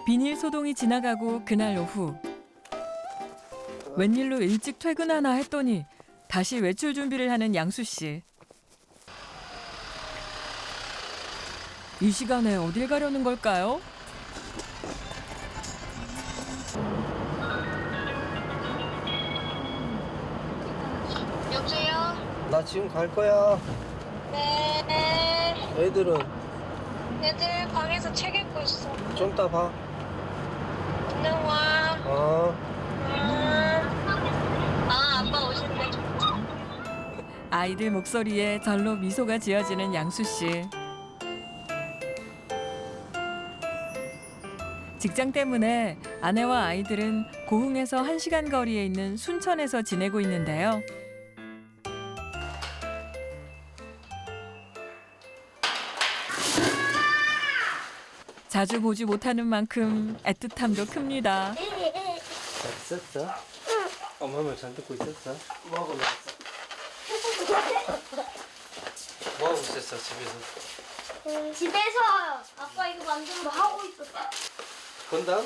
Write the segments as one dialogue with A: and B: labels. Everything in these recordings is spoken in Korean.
A: 비닐 소동이 지나가고 그날 오후. 웬일로 일찍 퇴근하나 했더니 다시 외출 준비를 하는 양수 씨. 이 시간에 어딜 가려는 걸까요?
B: 여보세요?
C: 나 지금 갈 거야.
B: 네.
C: 애들은
B: 애들 방에서 책 읽고 있어.
C: 좀 이따 봐.
B: 안녕 와. 아빠 오신대.
A: 아이들 목소리에 절로 미소가 지어지는 양수 씨. 직장 때문에 아내와 아이들은 고흥에서 1시간 거리에 있는 순천에서 지내고 있는데요. 자주 보지 못하는 만큼 애틋함도 큽니다.
C: 잘 있었어? 응. 엄마 말 잘 듣고 있었어? 뭐하고 놀았어? 뭐하고 있었어 집에서?
D: 집에서 아빠 이거 만드는 거 하고 있었어.
C: 건담?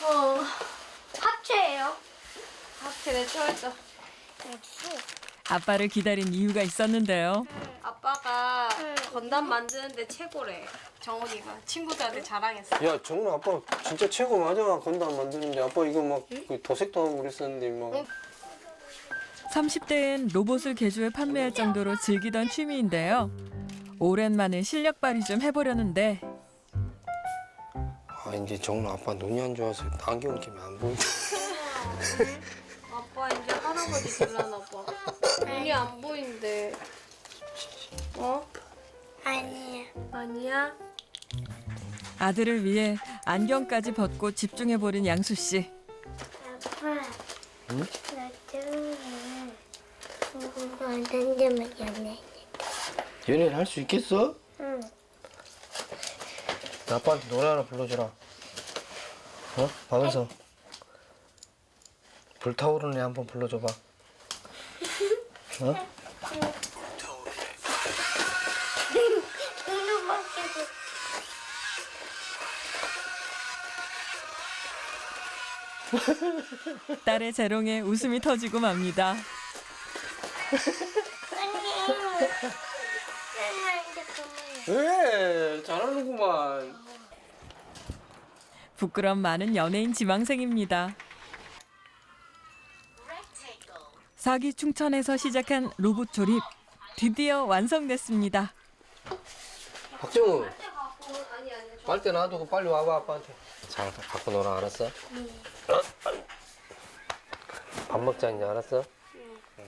D: 합체예요. 합체 내 좋아했어.
A: 아빠를 기다린 이유가 있었는데요.
E: 아빠가 건담 만드는데 최고래. 정훈이가 친구들한테 자랑했어.
C: 야 정훈아 아빠 진짜 최고 맞아. 건담 만드는데 아빠 이거 막 도색도 하고 그랬었는데 막
A: 30대엔 로봇을 개조해 판매할 정도로 즐기던 취미인데요. 오랜만에 실력 발휘 좀 해보려는데
C: 아 이제 정훈아 아빠 눈이 안 좋아서 안경 끼면 안 보인다.
E: 아빠 이제 할아버지 될라나 봐. 눈이 안 보인대. 어?
D: 아니야.
E: 아니야?
A: 아들을 위해 안경까지 벗고 집중해보는 양수 씨.
D: 아빠.
C: 응?
D: 나 처음에 던지면 연애.
C: 연애를 할 수 있겠어?
D: 응.
C: 아빠한테 노래 하나 불러주라. 어? 방에서 불타오르네 한번 불러줘봐. 어?
A: 딸의 재롱에 웃음이 터지고 맙니다.
C: 왜? 잘하는구만.
A: 부끄럼 많은 연예인 지망생입니다. 사기 충천에서 시작한 로봇 조립 드디어 완성됐습니다.
C: 박정우. 빨대 놔두고 빨리 와봐 아빠한테. 잘 갖고 놀아 알았어? 밥 먹자 이제 알았어?